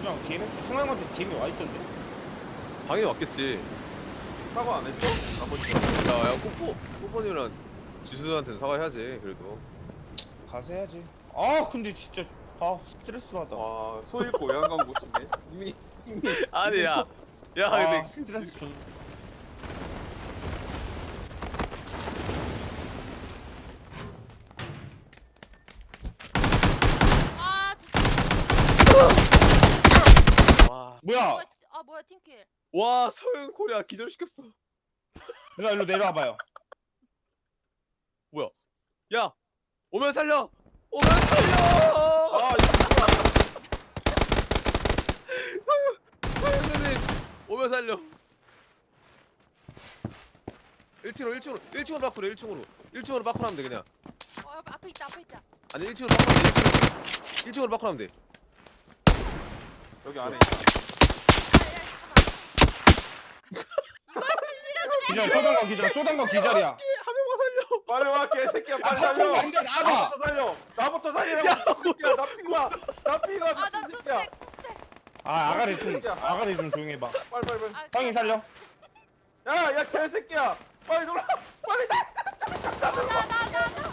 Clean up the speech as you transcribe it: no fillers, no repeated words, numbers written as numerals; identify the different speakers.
Speaker 1: 그냥 걔네 승환한테 걔네 와 있던데.
Speaker 2: 당연히 왔겠지.
Speaker 3: 사과 안 했어? 나머지.
Speaker 2: 야 뽀뽀님이랑 지수한테는 사과해야지 그래도.
Speaker 1: 가서 해야지. 아 근데 진짜 스트레스 받아.
Speaker 3: 와, 소 잃고 외양간 고치네. 이미
Speaker 2: 아니 야
Speaker 1: 아
Speaker 2: 근데
Speaker 1: 스트레스 좀.
Speaker 4: 아
Speaker 2: 와,
Speaker 1: 뭐야?
Speaker 4: 뭐야 팀킬.
Speaker 2: 와 서현 코리아 기절시켰어.
Speaker 1: 일로 내려와봐요.
Speaker 2: 뭐야? 야 오면 살려. 오면 살려.
Speaker 3: 아, 이거
Speaker 2: 서현 누님 오면 살려. 1층으로 바꾸래 1층으로 바꾸라면 돼 그냥.
Speaker 4: 앞에 있다 앞에 있다.
Speaker 2: 아니 1층으로 바꾸라면 돼 1층으로 바꾸라면 돼.
Speaker 3: 여기 안에 있다.
Speaker 1: 기절 쏘던 거 기절이야.
Speaker 2: 한 명만 살려.
Speaker 3: 빨리 와, 개새끼야, 빨리
Speaker 1: 아,
Speaker 3: 살려.
Speaker 1: 안돼 나봐.
Speaker 3: 나부터 살려. 나부터 살리라고.
Speaker 2: 야,
Speaker 3: 새끼야, 나 피가. 나 피가.
Speaker 4: 아나
Speaker 3: 미친 새끼야.
Speaker 4: 투스택.
Speaker 1: 아 아가리 좀 조용히 해봐.
Speaker 3: 빨리 빨리 빨리.
Speaker 1: 형이 살려.
Speaker 3: 야, 야, 개새끼야. 빨리 놀아. 빨리 나.
Speaker 4: 나나